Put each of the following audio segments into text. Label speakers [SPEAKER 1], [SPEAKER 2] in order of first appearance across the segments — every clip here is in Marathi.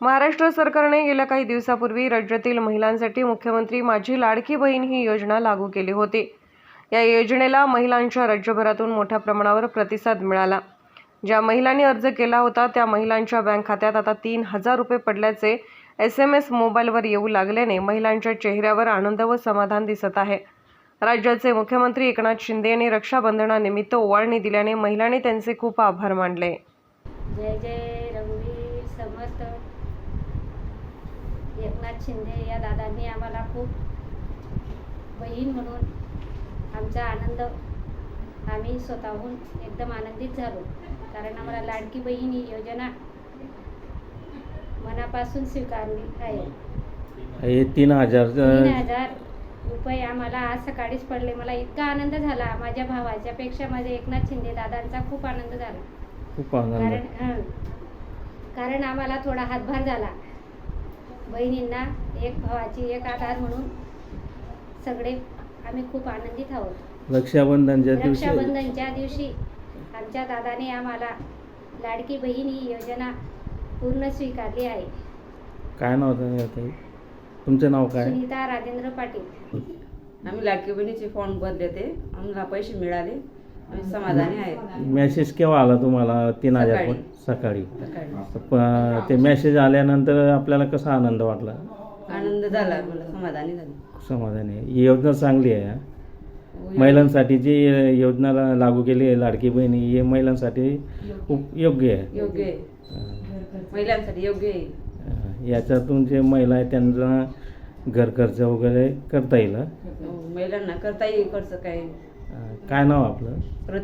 [SPEAKER 1] महाराष्ट्र सरकारने गेल्या काही दिवसापूर्वी राज्यातील महिलांसाठी मुख्यमंत्री माझी लाडकी बहीण ही योजना लागू केली होती। या योजनेला महिलांच्या राज्यभरातून मोठ्या प्रमाणावर प्रतिसाद मिळाला। ज्या महिलांनी अर्ज केला होता त्या महिलांच्या बँक खात्यात आता 3000 रुपये पडल्याचे SMS मोबाईलवर येऊ लागल्याने महिलांच्या चेहऱ्यावर आनंद व समाधान दिसत आहे। राज्याचे मुख्यमंत्री एकनाथ शिंदे यांनी रक्षाबंधनानिमित्त ओवाळणी दिल्याने महिलांनी त्यांचे खूप आभार मानले।
[SPEAKER 2] जय जय रघुवीर समर्थ। एकनाथ शिंदे या दादांनी आम्हाला खूप बहीण म्हणून आमचा आनंद आम्ही स्वतःहून एकदम आनंदित झालो, कारण आम्हाला लाडकी बहीण ही योजना मनापासून स्वीकारली आहे।
[SPEAKER 3] हे 3000
[SPEAKER 2] रुपये आम्हाला आज सकाळीच पडले। मला इतका आनंद झाला, माझ्या भावाच्या पेक्षा माझ्या एकनाथ शिंदे दादांचा खूप आनंद झाला।
[SPEAKER 3] खूप आनंद
[SPEAKER 2] कारण आम्हाला थोडा हातभार झाला। बहिणींना एक भावाची एक आधार म्हणून सगळे आम्ही खूप आनंदित आहोत। रक्षाबंधनच्या दिवशी आमच्या दादाने आम्हाला लाडकी बहीण ही योजना पूर्ण स्वीकारली आहे।
[SPEAKER 3] काय नाव आहे तुमचं? नाव काय?
[SPEAKER 2] सुनीता राजेंद्र पाटील।
[SPEAKER 4] आम्ही लाडकी बहिणीचे फॉर्म भरले ते, आम्हाला पैसे मिळाले, आम्ही समाधानी आहे।
[SPEAKER 3] मेसेज केव्हा आला तुम्हाला? 3000 सकाळी। ते मेसेज आल्यानंतर आपल्याला कसा आनंद वाटला?
[SPEAKER 4] आनंद झाला, मला समाधानी झाली।
[SPEAKER 3] समाधानी आहे। ही योजना चांगली आहे। महिलांसाठी जी योजना लागू केली आहे लाडकी बहीण, ही महिलांसाठी खूप योग्य आहे।
[SPEAKER 4] योग्य आहे, महिलांसाठी योग्य आहे।
[SPEAKER 3] याच्यातून जे महिला आहे त्यांना घर खर्च वगैरे करता येईल।
[SPEAKER 4] महिलांना करता येईल खर्च।
[SPEAKER 3] काय नाव आपलं?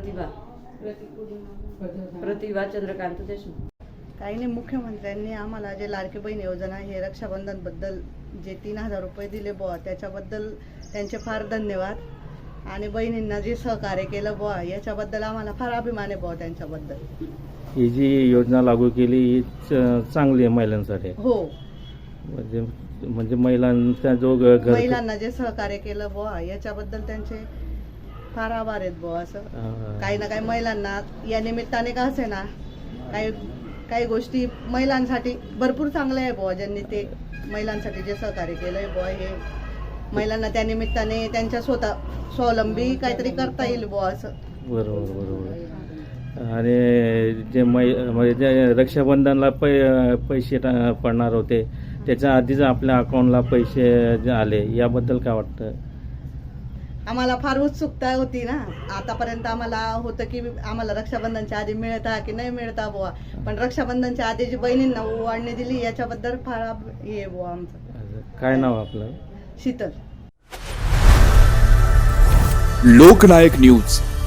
[SPEAKER 4] प्रतिभा चंद्रकांत देशमुख।
[SPEAKER 5] काही नाही, मुख्यमंत्र्यांनी आम्हाला जे लाडकी बहीण योजना हे रक्षाबंधन बद्दल जे 3000 रुपये दिले बुवा, त्याच्याबद्दल त्यांचे फार धन्यवाद। आणि बहिणींना जे सहकार्य केलं बुवा, याच्याबद्दल आम्हाला फार अभिमान आहे बुवा त्यांच्याबद्दल।
[SPEAKER 3] ही जी योजना लागू केली ही चांगली आहे महिलांसाठी।
[SPEAKER 5] हो,
[SPEAKER 3] म्हणजे महिलांचा जो
[SPEAKER 5] महिलांना जे सहकार्य केलं बुवा, याच्याबद्दल त्यांचे फार आभार आहेत बुवा। असं काही ना काही महिलांना या निमित्ताने का असे ना, काही गोष्टी महिलांसाठी भरपूर चांगल्या आहे बुवा। ज्यांनी ते महिलांसाठी जे सहकार्य केलंय बुवा, हे महिलांना त्या निमित्ताने त्यांच्या स्वतः स्वावलंबी काहीतरी करता येईल बुवा असं।
[SPEAKER 3] बरोबर। आणि जे म्हणजे जे रक्षाबंधनला पैसे पडणार होते, त्याच्या आधीच आपल्या अकाउंटला पैसे जे आले, याबद्दल काय वाटतं?
[SPEAKER 5] आम्हाला फार उत्सुकता होती ना, आतापर्यंत आम्हाला होतं की आम्हाला रक्षाबंधनच्या आधी मिळता की नाही मिळता बुवा, पण रक्षाबंधनच्या आधी जी बहिणींना ओवाळणी दिली याच्याबद्दल फार हे बुवा आमचं।
[SPEAKER 3] काय नाव आपलं?
[SPEAKER 5] शीतल।
[SPEAKER 6] लोकनायक न्यूज।